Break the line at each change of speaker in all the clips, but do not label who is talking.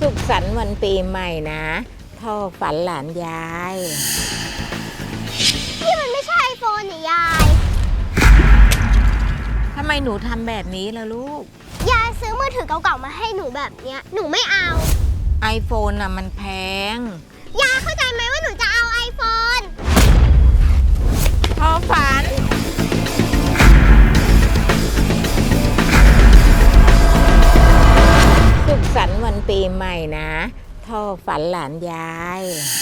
สุขสันต์วันปีใหม่นะท่อฝันหลานยาย
นี่มันไม่ใช่ไอโฟนนี่ยาย
ทำไมหนูทำแบบนี้ล่ะลูก
ยายซื้อมือถือเก่าๆมาให้หนูแบบเนี้ยหนูไม่เอา
iPhone น่ะมันแพง
ยายเข้าใจไหมว่าหนูจะเอาไอโฟน
ท่อฝันสุขสันต์วันปีใหม่นะท่อฝันหลานยาย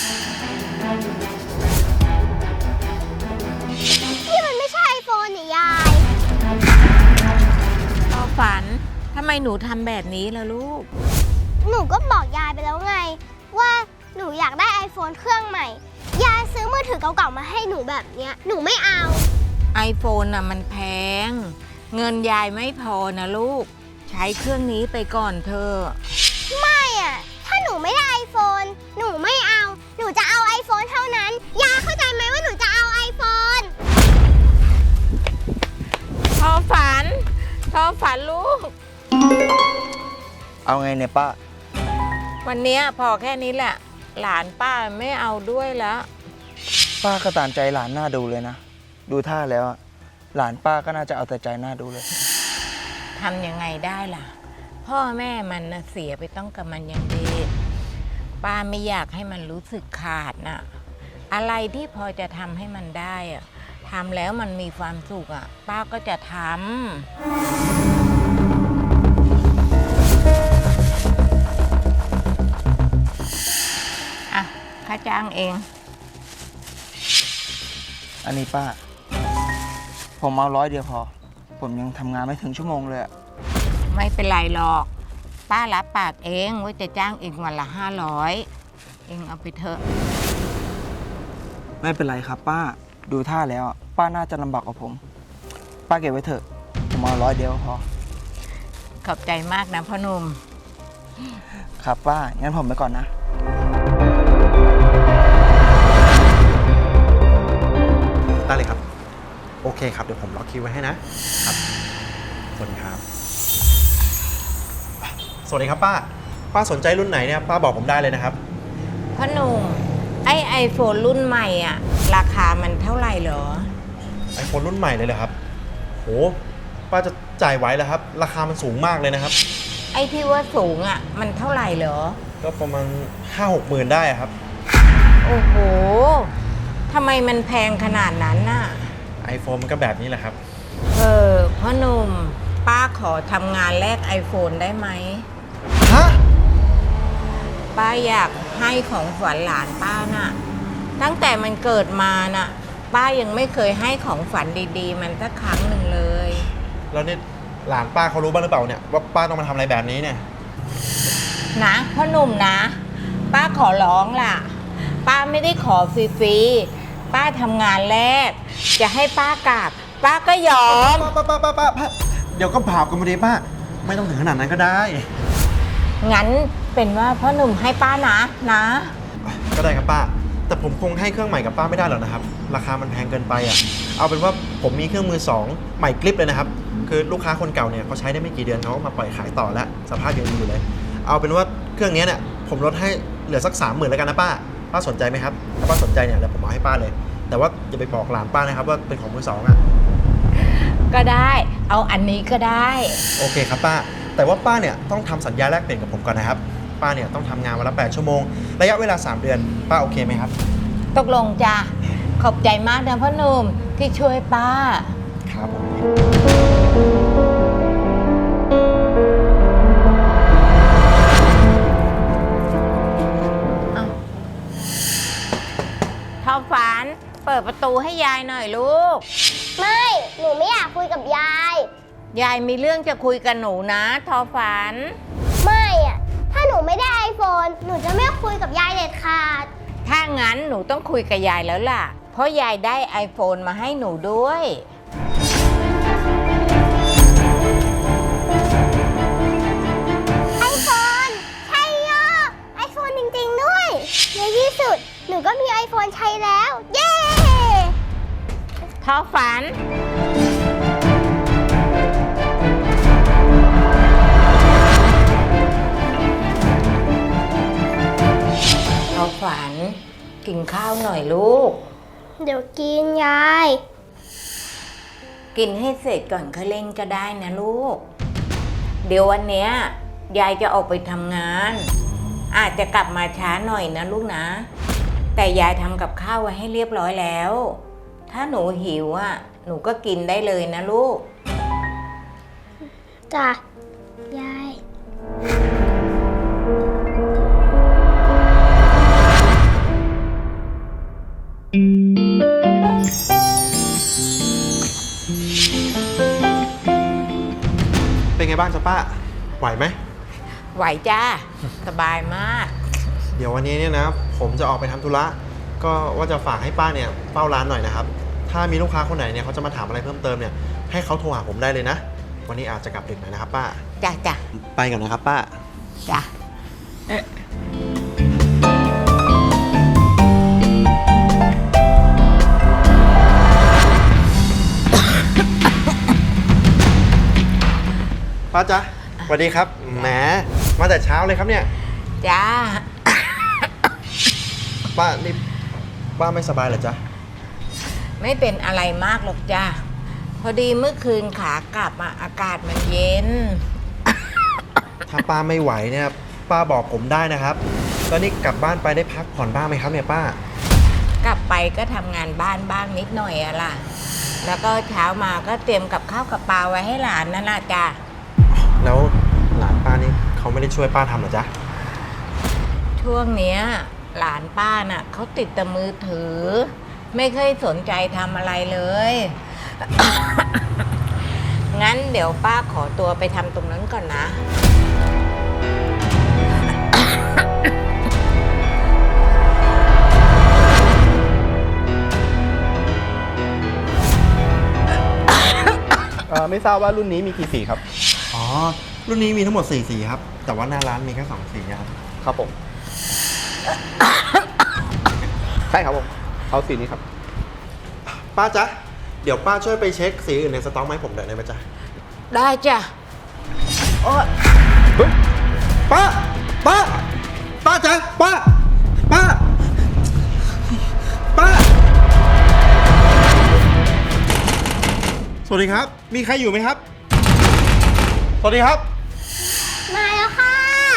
นี่มันไม่ใช่ไอโฟนนี่ยาย
ท่อฝันทำไมหนูทำแบบนี้ล่ะลูก
หนูก็บอกยายไปแล้วไงว่าหนูอยากได้ไอโฟนเครื่องใหม่ยายซื้อมือถือเก่าๆมาให้หนูแบบเนี้ยหนูไม่เอา
iPhone น่ะมันแพงเงินยายไม่พอนะลูกใช้เครื่องนี้ไปก่อนเถอะ
ไม่อะถ้าหนูไม่ได้ไอโฟนหนูไม่เอาหนูจะเอาไอโฟนเท่านั้นยายเข้าใจไหมว่าหนูจะเอาไอโฟน
ท่อฝันลูก
เอาไงเนี่ยป้า
วันนี้พอแค่นี้แหละหลานป้าไม่เอาด้วยแล้ว
ป้าก็ตามใจหลานน่าดูเลยนะดูท่าแล้วหลานป้าก็น่าจะเอาแต่ใจน่าดูเลย
ทำยังไงได้ล่ะพ่อแม่มันนะเสียไปต้องกับมันอย่างดีป้าไม่อยากให้มันรู้สึกขาดน่ะอะไรที่พอจะทำให้มันได้อะทำแล้วมันมีความสุขอ่ะป้าก็จะทำอ่ะค่าจ้างเอง
อันนี้ป้าผมเอา100 เดียวพอผมยังทำงานไม่ถึงชั่วโมงเลย
ไม่เป็นไรหรอกป้ารับปากเองว่าจะจ้างเองวันละ500เองเอาไปเถอะ
ไม่เป็นไรครับป้าดูท่าแล้วป้าน่าจะลำบากกว่าผมป้าเก็บไว้เถอะผมเอา100 เดียวพอ
ขอบใจมากนะพ่อหนุ่ม
ครับป้างั้นผมไปก่อนนะ
ได้เลยครับโอเคครับเดี๋ยวผมล็อกคิวไว้ให้นะครับสวัสดีครับสวัสดีครับป้าสนใจรุ่นไหนเนี่ยป้าบอกผมได้เลยนะครับ
พ่อหนุ่มไอโฟนรุ่นใหม่อ่ะราคามันเท่าไหร่เหรอ
ไอโฟนรุ่นใหม่เลยเหรอครับโหป้าจะจ่ายไหวแล้วครับราคามันสูงมากเลยนะครับ
ไอที่ว่าสูงอ่ะมันเท่าไหร่เหรอ
ก็ประมาณ 5-6 หมื่นได้ครับ
โอ้โหทำไมมันแพงขนาดนั้นน่ะ
ไอโฟนมันก็แบบนี้แหละครับ
พ่อหนุ่มป้าขอทำงานแลกไอโฟนได้ไหม
ฮะ
ป้าอยากให้ของขวัญหลานป้าน่ะตั้งแต่มันเกิดมาน่ะป้ายังไม่เคยให้ของขวัญดีๆมันสักครั้งหนึ่งเลย
แล้วนี่หลานป้าเขารู้บ้างหรือเปล่าเนี่ยว่าป้าต้องมาทำอะไรแบบนี้เนี่ย
นะพ่อหนุ่มนะป้าขอร้องล่ะป้าไม่ได้ขอฟรีๆป้าทำงานแรกจะให้ป้ากราบป้าก็ยอม
ป้าเดี๋ยวก็บาปกันมาดีป้าไม่ต้องถึงขนาดนั้นก็ได้
งั้นเป็นว่าพ่อหนุ่มให้ป้านะ
ก็ได้ครับป้าแต่ผมคงให้เครื่องใหม่กับป้าไม่ได้หรอกนะครับราคามันแพงเกินไปอ่ะเอาเป็นว่าผมมีเครื่องมือ2ใหม่กริปเลยนะครับคือลูกค้าคนเก่าเนี่ยเขาใช้ได้ไม่กี่เดือนเขามาปล่อยขายต่อแล้วสภาพยังดีอยู่เลยเอาเป็นว่าเครื่องนี้เนี่ยผมลดให้เหลือสัก 30,000แล้วกันนะป้าสนใจไหมครับถ้าป้าสนใจเนี่ยเดี๋ยวผมเอาให้ป้าเลยแต่ว่าอย่าไปบอกหลานป้านะครับว่าเป็นของมือ2อ่ะ
ก็ได้เอาอันนี้ก็ได้
โอเคครับป้าแต่ว่าป้าเนี่ยต้องทำสัญญาแลกเปลี่ยนกับผมก่อนนะครับป้าเนี่ยต้องทำงานวันละ8 ชั่วโมงระยะเวลา3 เดือนป้าโอเคไหมครับ
ตกลงจ้ะขอบใจมากนะพ่อหนุ่มที่ช่วยป้า
ครับผม
ท่อฝันเปิดประตูให้ยายหน่อยลูก
ไม่หนูไม่อยากคุยกับยาย
ยายมีเรื่องจะคุยกับหนูนะท่อฝัน
ไม่อะถ้าหนูไม่ได้ไอโฟนหนูจะไม่คุยกับยายเด็ดขาด
ถ้างั้นหนูต้องคุยกับยายแล้วล่ะเพราะยายได้ไอโฟนมาให้หนูด้วย
ไอโฟนใช่ยอไอโฟนจริงๆด้วยในที่สุดหนูก็มีไอโฟนใช้แล้วเย้
ท่อฝันฝัน กินข้าวหน่อยลูก
เดี๋ยวกินยาย
กินให้เสร็จก่อนค่อยเล่นก็ได้นะลูก เดี๋ยววันเนี้ยยายจะออกไปทำงาน อาจจะกลับมาช้าหน่อยนะลูกนะ แต่ยายทำกับข้าวไว้ให้เรียบร้อยแล้ว ถ้าหนูหิวอ่ะหนูก็กินได้เลยนะลูก
จ้ะ ยาย
เป็นไงบ้างจ๊ะป้า ไหวไหม
ไหวจ้า สบายมาก
เดี๋ยววันนี้เนี่ยนะ ผมจะออกไปทำธุระ ก็ว่าจะฝากให้ป้าเนี่ยเฝ้าร้านหน่อยนะครับ ถ้ามีลูกค้าคนไหนเนี่ยเขาจะมาถามอะไรเพิ่มเติมเนี่ย ให้เขาโทรหาผมได้เลยนะ วันนี้อาจจะกลับดึกหน่อยนะครับป้า
จ้าจ้า
ไปก่อนนะครับป้า
จ้า
ป้าจ๊ะสวัสดีครับ แหม มาแต่เช้าเลยครับเนี่ย
จ้า
ป้านี่ป้าไม่สบายเหรอจ๊ะ
ไม่เป็นอะไรมากหรอกจ้า พอดีเมื่อคืนขากลับมาอากาศมันเย็น
ถ้าป้าไม่ไหวเนี่ย ป้าบอกผมได้นะครับ แล้วนี่กลับบ้านไปได้พักผ่อนบ้างไหมครับเนี่ยป้า
กลับไปก็ทำงานบ้านบ้างนิดหน่อยอะล่ะ แล้วก็เช้ามาก็เตรียมกับข้าวกับปลาไว้ให้หลานนั่นแหละจ้า
แล้วหลานป้านี่เขาไม่ได้ช่วยป้าทำเหรอจ๊ะ
ช่วงเนี้ยหลานป้าน่ะเขาติดแต่มือถือ ไม่เคยสนใจทำอะไรเลย งั้นเดี๋ยวป้าขอตัวไปทำตรงนั้นก่อนนะ
ไม่ทราบว่ารุ่นนี้มีกี่สีครับ
อ๋อ รุ่นนี้มีทั้งหมด4สีครับ แต่ว่าหน้าร้านมีแค่2สีครับ
ครับผม ใช่ครับผม เอาสีนี้ครับ
ป้าจ๊ะ เดี๋ยวป้าช่วยไปเช็คสีอื่นในสต็อกมาให้ผมหน่อยได้ไหมจ๊ะ
ได้จ้ะโอ๊ย
เฮ้ย
ป้า ป้า ป้าจ๊ะ ป้า ป้า ป้า สวัสดีครับ มีใครอยู่ไหมครับ สวัสดีครับ
มาแล้วค่ะ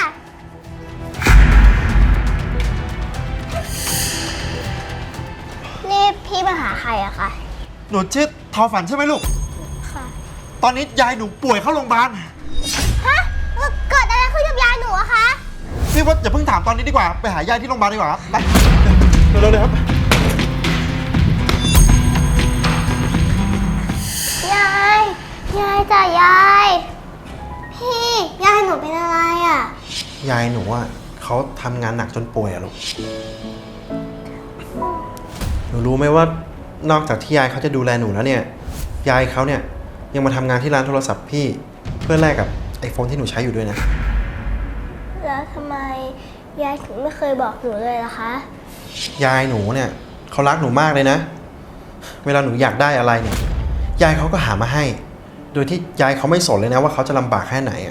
นี่พี่มาหาใครอะคะ
หนูชื่อทอฝันใช่ไหมลูก
ค่ะ
ตอนนี้ยายหนูป่วยเข้าโรงพยาบาล
ฮะ เกิดอะไรขึ้นกับยายหนูอะคะ
พี่ว่าอย่าเพิ่งถามตอนนี้ดีกว่า ไปหายายที่โรงพยาบาลดีกว่าครับ ไป เร็วๆเลยครับ
ยาย ยายจ้ะยาย พี่ ยายหนูเป็นอะไรอะ
ยายหนูอ่ะเขาทำงานหนักจนป่วยอะลูก หนูรู้ไหมว่านอกจากที่ยายเขาจะดูแลหนูแล้วเนี่ย ยายเขาเนี่ยยังมาทำงานที่ร้านโทรศัพท์พี่เพื่อแลกกับไอโฟนที่หนูใช้อยู่ด้วยนะ
แล้วทำไมยายถึงไม่เคยบอกหนูเลยล่ะคะ
ยายหนูเนี่ยเขารักหนูมากเลยนะ เวลาหนูอยากได้อะไรเนี่ย ยายเขาก็หามาให้ โดยที่ยายเขาไม่สนเลยนะว่าเขาจะลำบากแค่ไหนอะ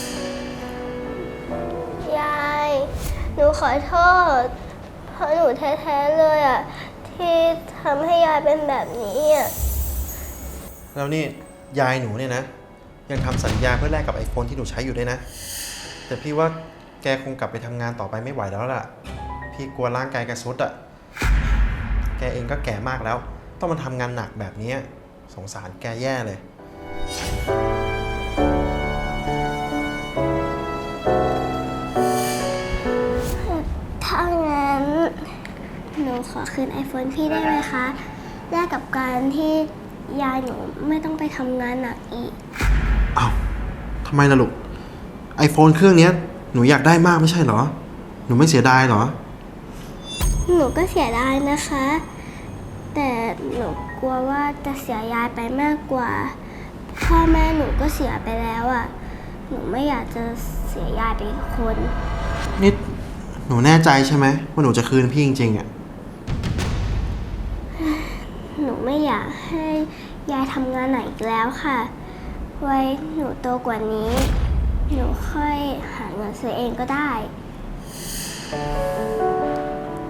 ยาย หนูขอโทษ เพราะหนูแท้ๆเลยอะที่ทำให้ยายเป็นแบบนี้อะ
แล้วนี่ยายหนูเนี่ยนะ ยังทำสัญญาเพื่อแลกกับไอโฟนที่หนูใช้อยู่ด้วยนะ แต่พี่ว่าแกคงกลับไปทำงานต่อไปไม่ไหวแล้วล่ะ พี่กลัวร่างกายแกสุดอะแกเองก็แก่มากแล้ว ต้องมาทำงานหนักแบบนี้สงสารแกแย่เลย
ถ้างั้นหนูขอคืน iPhone พี่ได้ไหมคะแลกกับการที่ยายหนูไม่ต้องไปทำงานหนักอีก
อ้าวทำไมล่ะลูก ไอโฟนเครื่องนี้หนูอยากได้มากไม่ใช่เหรอ หนูไม่เสียดายเหรอ
หนูก็เสียดายนะคะ แต่หนูกลัวว่าจะเสียยายไปมากกว่า พ่อแม่หนูก็เสียไปแล้วอะหนูไม่อยากจะเสียยายไปอีกคน
นี่หนูแน่ใจใช่ไหมว่าหนูจะคืนพี่จริงๆอะ
หนูไม่อยากให้ยายทำงานหนักอีกแล้วค่ะ ไว้หนูโตกว่านี้ หนูค่อยหาเงินซื้อเองก็ได้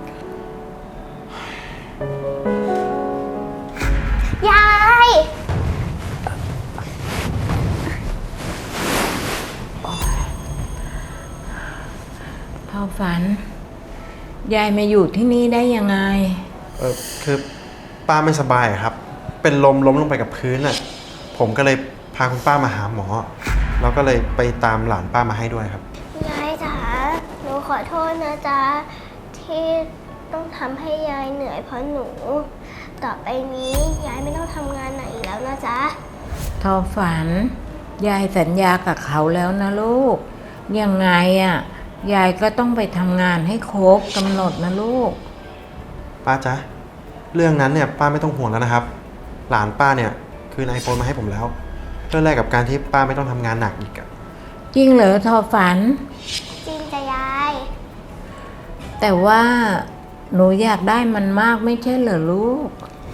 อฝัน ยายมาอยู่ที่นี่ได้ยังไง
คือป้าไม่สบายอะครับ เป็นลมลงไปกับพื้นอ่ะ ผมก็เลยพาคุณป้ามาหาหมอ แล้วก็เลยไปตามหลานป้ามาให้ด้วยครับ
ยายจ๋าหนูขอโทษนะจ๊ะที่ต้องทำให้ยายเหนื่อยเพราะหนู ต่อไปนี้ยายไม่ต้องทำงานหนักอีกแล้วนะจ๊ะ
ทอฝัน ยายสัญญากับเขาแล้วนะลูก ยังไงอ่ะ ยายก็ต้องไปทำงานให้ครบกำหนดนะลูก
ป้าจ๊ะ เรื่องนั้นเนี่ยป้าไม่ต้องห่วงแล้วนะครับ หลานป้าเนี่ยคืนไอโฟนมาให้ผมแล้ว เพื่อแลกกับการที่ป้าไม่ต้องทำงานหนักอีกอะ
จริงเหรอทอฝัน
จริงจ้ะยาย
แต่ว่าหนูอยากได้มันมากไม่ใช่เหรอลูก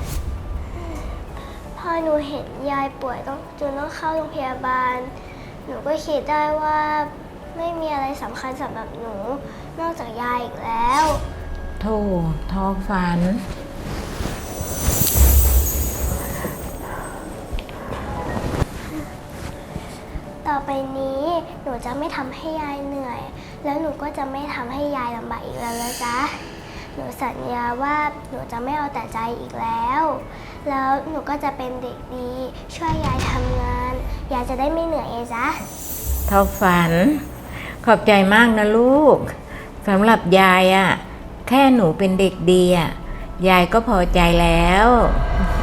พอหนูเห็นยายป่วยจนต้องเข้าโรงพยาบาล หนูก็คิดได้ว่าไม่มีอะไรสำคัญสำหรับหนู นอกจากยายอีกแล้ว
โธ่ทอฝัน
ต่อไปนี้หนูจะไม่ทำให้ยายเหนื่อย แล้วหนูก็จะไม่ทำให้ยายลำบากอีกแล้วนะจ๊ะ หนูสัญญาว่าหนูจะไม่เอาแต่ใจอีกแล้ว แล้วหนูก็จะเป็นเด็กดี ช่วยยายทำงาน ยายจะได้ไม่เหนื่อยไงจ๊ะ
ทอฝัน ขอบใจมากนะลูกสำหรับยายอะแค่หนูเป็นเด็กดีอะยายก็พอใจแล้ว